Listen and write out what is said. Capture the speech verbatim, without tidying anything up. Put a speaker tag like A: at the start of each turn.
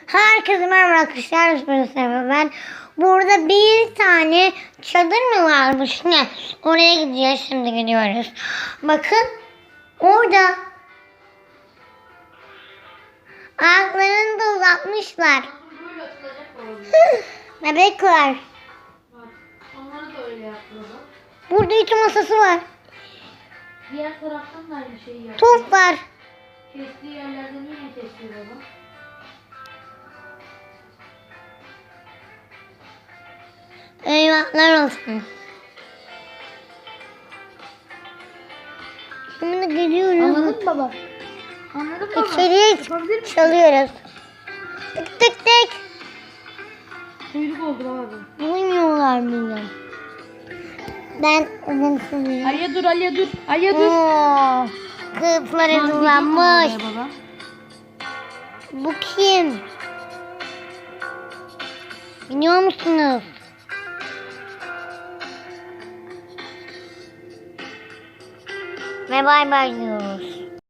A: Herkese merhaba arkadaşlar. Ben burada bir tane çadır mı varmış ne? Oraya gideceğiz, şimdi gidiyoruz. Bakın orada ayaklarını da uzatmışlar.
B: Böyle atılacak olabilir.
A: Bebek var.
B: Bak, onları da öyle yaptılar.
A: Burada ütü masası var.
B: Diğer taraftan da aynı şeyi yaptı.
A: Top var.
B: Kestiği yerlerden yine kesiyor baba.
A: Eyvahlar olsun. Şimdi geliyoruz.
B: Anladın mı baba? Anladın mı baba?
A: İçeriye
B: Yapabilir misin?
A: çalıyoruz. Tık tık tık.
B: Kuyruk oldu baba bu.
A: Duymuyorlar beni. Ben uzun sürüyorum.
B: Aliye dur, Aliye dur. Aliye dur.
A: Oo, kılıflar hazırlanmış.
B: Baba.
A: Bu kim? Biliyor musunuz? Ve bay bay diyoruz.